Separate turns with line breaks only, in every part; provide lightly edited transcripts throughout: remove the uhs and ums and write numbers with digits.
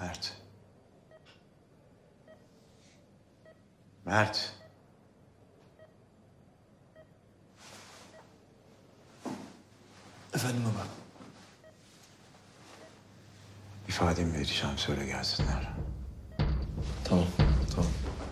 Mert. Mert.
Efendim baba.
İfademi vereceğim, söyle gelsinler.
Tamam, tamam.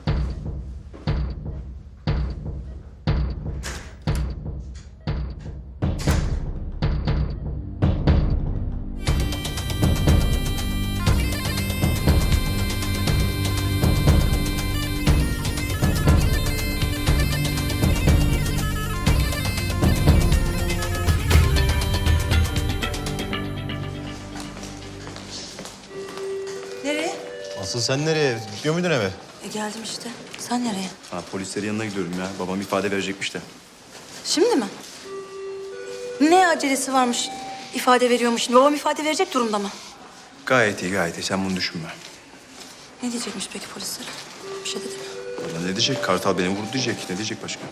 Nereye?
Asıl sen nereye? Gidiyor muydun eve?
Geldim işte. Sen nereye?
Ha, polislerin yanına gidiyorum ya. Babam ifade verecekmiş de.
Şimdi mi? Ne acelesi varmış? İfade veriyormuş. Şimdi babam ifade verecek durumda mı?
Gayet iyi, gayet iyi. Sen bunu düşünme.
Ne diyecekmiş peki polislere? Bir şey dedi mi?
Valla ne diyecek? Kartal beni vurdu diyecek. Ne diyecek başka?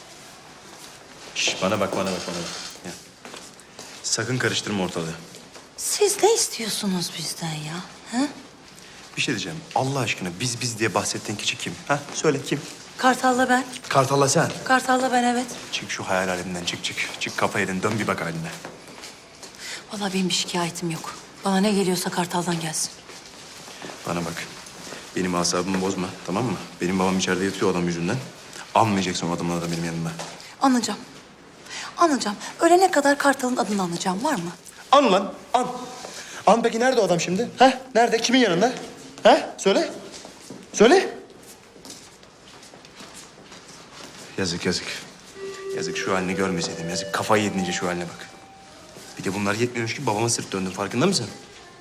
Şş, bana bak, bana bak, bana bak. Ya. Sakın karıştırma ortalığı.
Siz ne istiyorsunuz bizden ya? Ha?
Bir şey diyeceğim. Allah aşkına biz diye bahsettiğin kişi kim? Ha? Söyle kim?
Kartal'la ben.
Kartal'la sen.
Kartal'la ben, evet.
Çık şu hayal aleminden, çık çık. Çık kafa yedin, dön bir bak haline.
Vallahi benim bir şikayetim yok. Bana ne geliyorsa Kartal'dan gelsin.
Bana bak. Benim asabımı bozma, tamam mı? Benim babam içeride yatıyor adam yüzünden. Anmayacaksın o adamın benim yanımda.
Anlayacağım. Anlayacağım. Ölene kadar Kartal'ın adını anlayacağım. Var mı?
An lan, an. An peki nerede o adam şimdi? Ha? Nerede? Kimin yanında? Ha? Söyle. Söyle. Yazık, yazık. Yazık, şu halini görmeseydim. Yazık, kafayı yedince şu haline bak. Bir de bunlar yetmiyormuş ki babama sırt döndün. Farkında mısın?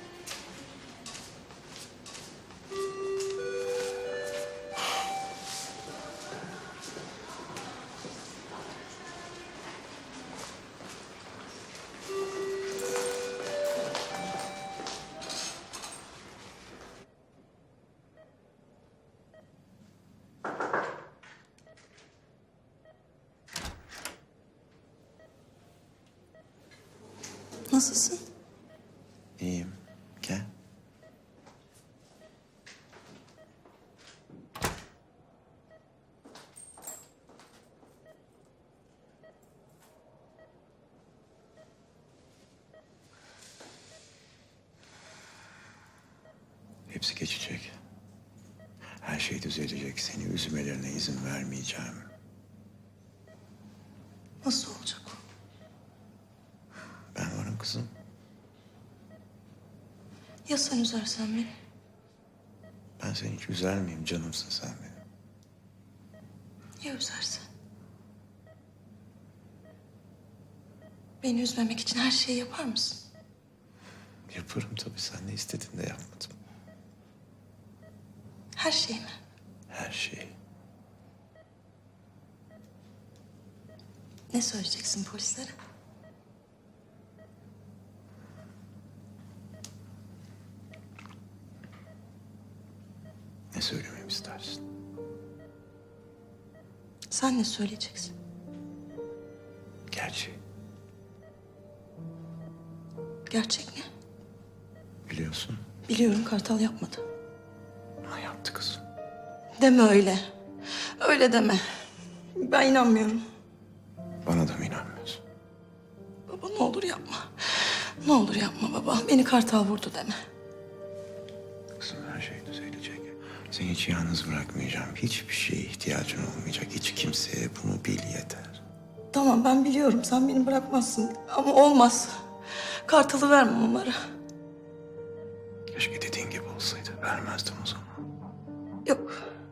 Nasılsın?
İyiyim. Gel. Hepsi geçecek. Her şey düzelecek. Seni üzmelerine izin vermeyeceğim.
Nasıl olacak o?
Ben varım kızım.
Ya sen üzersen beni?
Ben seni hiç üzer miyim? Canımsın sen benim.
Ya üzersen? Beni üzmemek için her şeyi yapar mısın?
Yaparım tabii. Sen ne istediğinde yapmadım.
Her şey mi?
Her şeyi.
Ne söyleyeceksin polislere?
Ne söylememi istersin?
Sen ne söyleyeceksin?
Gerçeği.
Gerçek ne?
Biliyorsun.
Biliyorum, Kartal yapmadı.
Ha, yaptı kızım.
Deme öyle. Öyle deme. Ben inanmıyorum.
Bana da mı inanmıyorsun?
Baba ne olur yapma. Ne olur yapma baba. Beni Kartal vurdu deme.
Kızım, her şey düzelecek. Seni hiç yalnız bırakmayacağım. Hiçbir şeye ihtiyacın olmayacak. Hiç kimseye bunu bil yeter.
Tamam, ben biliyorum. Sen beni bırakmazsın. Ama olmaz. Kartal'ı vermem onlara.
Keşke dediğin gibi olsaydı. Vermezdim o zaman.
Yok.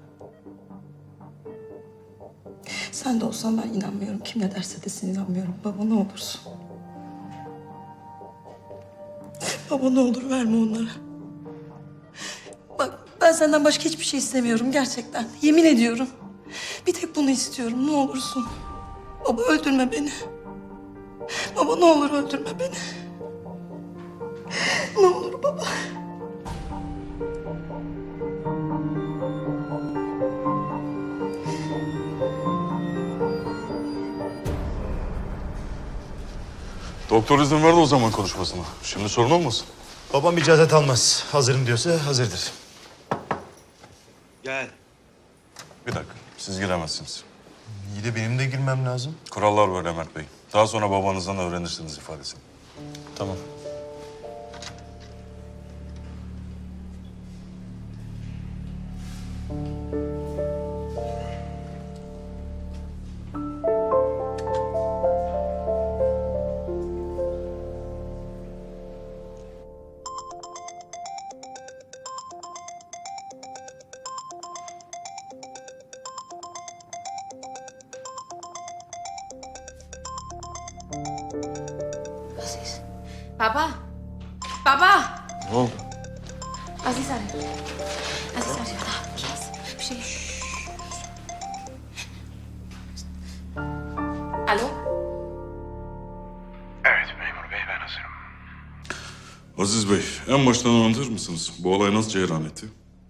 Sen de olsan ben inanmıyorum. Kim ne derse desin inanmıyorum. Baba ne olursun. Baba ne olur verme onlara. Bak ben senden başka hiçbir şey istemiyorum gerçekten. Yemin ediyorum. Bir tek bunu istiyorum, ne olursun. Baba öldürme beni. Baba ne olur öldürme beni. Ne olur baba.
Doktor izin verdi o zaman konuşmasına. Şimdi sorun olmasın. Babam icazet almaz. Hazırım diyorsa hazırdır.
Gel.
Bir dakika, siz giremezsiniz.
İyi de benim de girmem lazım.
Kurallar böyle Mert Bey. Daha sonra babanızdan öğrenirsiniz ifadesini.
Tamam.
Aziz. Baba. Baba.
Ne oldu?
Aziz arıyor. Aziz arıyor. Ne yapacağız? Bir şey. Alo.
Evet memur bey ben hazırım.
Aziz Bey, en baştan anlatır mısınız? Bu olay nasıl cereyan etti?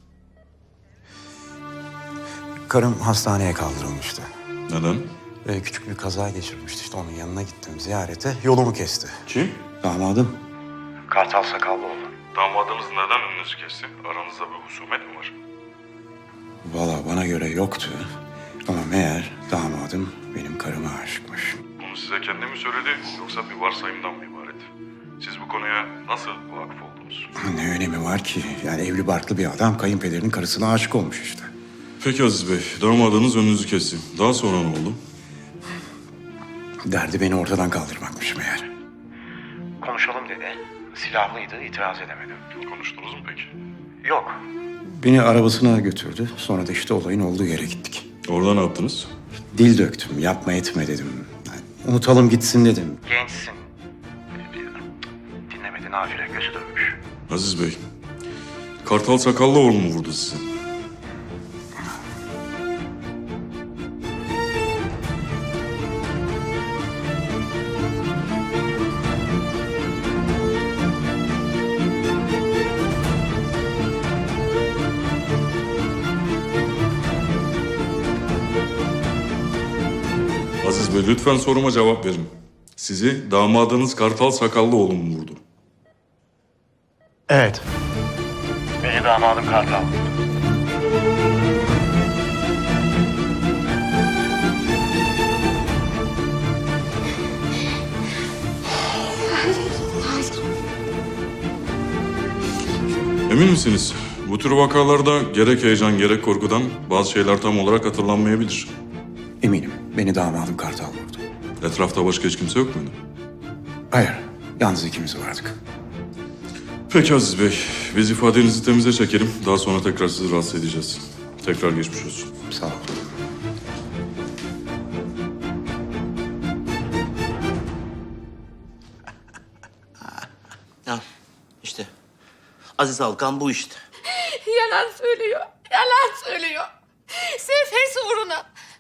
Karım hastaneye kaldırılmıştı.
Neden?
Küçük bir kaza geçirmişti. İşte onun yanına gittim ziyarete. Yolumu kesti.
Kim?
Damadım. Kartal Sakallıoğlu.
Damadınız neden önünüzü kesti? Aranızda bir husumet mi var?
Valla bana göre yoktu. Ama meğer damadım benim karıma aşıkmış.
Bunu size kendi mi söyledi yoksa bir varsayımdan mı ibaret? Siz bu konuya nasıl vakıf oldunuz?
Ne önemi var ki? Yani evli barklı bir adam kayınpederinin karısına aşık olmuş işte.
Peki Aziz Bey, damadınız önünüzü kesti. Daha sonra ne oldu?
Derdi beni ortadan kaldırmakmış meğer. Konuşalım dedi. Silahlıydı, itiraz edemedim.
Konuştunuz mu peki?
Yok. Beni arabasına götürdü. Sonra da işte olayın olduğu yere gittik.
Orada ne yaptınız?
Dil döktüm, yapma etme dedim. Yani unutalım gitsin dedim. Gençsin. Dinlemedi, nafile gözü dönmüş.
Aziz Bey, Kartal Sakallıoğlu mu vurdu sizi? Aziz Bey, lütfen soruma cevap verin. Sizi damadınız Kartal Sakallıoğlu mu vurdu?
Evet.
Beni damadım Kartal.
Emin misiniz? Bu tür vakalarda gerek heyecan gerek korkudan bazı şeyler tam olarak hatırlanmayabilir.
Eminim, beni damadım Kartal vurdu.
Etrafta başka hiç kimse yok muydu?
Hayır, yalnız ikimiz vardık.
Peki Aziz Bey, biz ifadenizi temize çekelim. Daha sonra tekrar sizi rahatsız edeceğiz. Tekrar geçmiş olsun.
Sağ ol.
Ya işte Aziz Alkan bu işte.
Yalan söylüyor. Yalan söylüyor. Sırf hırsı uğruna.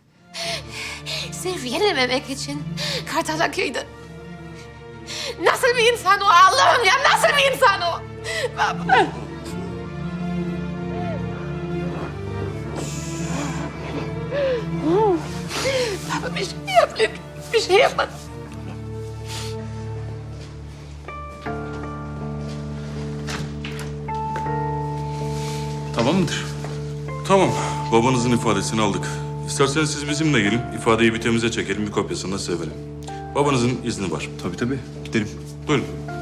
Sırf yenilmemek için Kartal'a kıydı. Nasıl bir insan o Allah'ım ya? Nasıl bir insan o? Baba. Baba bir şey yap lütfen. Bir şey yapma.
Tamam mıdır?
Tamam, babanızın ifadesini aldık. İsterseniz siz bizimle gelin, ifadeyi bir temize çekelim, bir kopyasını da size verelim. Babanızın izni var.
Tabii tabii. Gidelim.
Buyurun.